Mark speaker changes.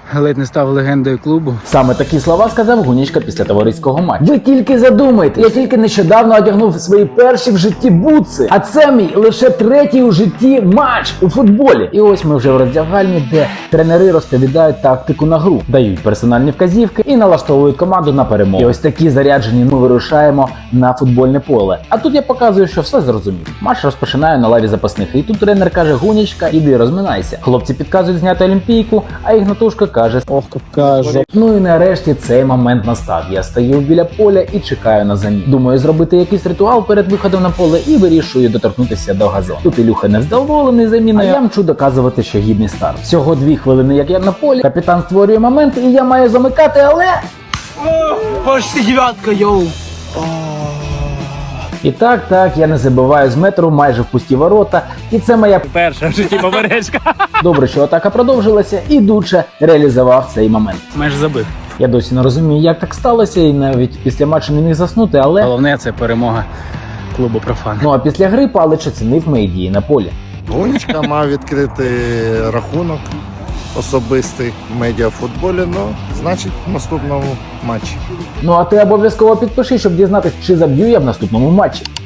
Speaker 1: ледь не став легендою клубу.
Speaker 2: Саме такі слова сказав Гунічка після товариського матчу. Ви тільки задумайте, я тільки нещодавно одягнув свої перші в житті бутси, а це мій лише третій у житті матч у футболі. І ось ми вже в роздягальні, де тренери розповідають тактику на гру, дають персональні вказівки і налаштовують команду на перемогу. І ось такі заряджені ми вирушаємо на футбольне поле. А тут я показую, що все зрозумів. Матч розпочинаю на лаві запасних, і тут тренер каже: Гунічка, іди розминайся. Хлопці підказують зняти олімпійку, а Ігнатушка каже:
Speaker 3: ох, яка жопа.
Speaker 2: Ну і нарешті цей момент настав. Я стою біля поля і чекаю на заміну. Думаю зробити якийсь ритуал перед виходом на поле і вирішую доторкнутися до газону. Тут Ілюха невдоволений заміною, а я мчу доказувати, що гідний старт. Всього 2 хвилини, як я на полі. Капітан створює момент, і я маю замикати, але...
Speaker 1: Почти дев'ятка, йоу!
Speaker 2: І так, я не забиваю з метру майже в пусті ворота. І це моя
Speaker 1: Перша в житті поперечка.
Speaker 2: добре, що атака продовжилася, і Дуче реалізував цей момент.
Speaker 1: Майже забив.
Speaker 2: Я досі не розумію, як так сталося, і навіть після матчу не міг заснути, але...
Speaker 1: Головне, це перемога клубу «Профан».
Speaker 2: Ну а після гри Палич оцінив мої дії на полі.
Speaker 3: Гунічка мав відкрити рахунок особистий в медіафутболі, ну, значить, в наступному матчі.
Speaker 2: Ну а ти обов'язково підпиши, щоб дізнатись, чи заб'ю я в наступному матчі.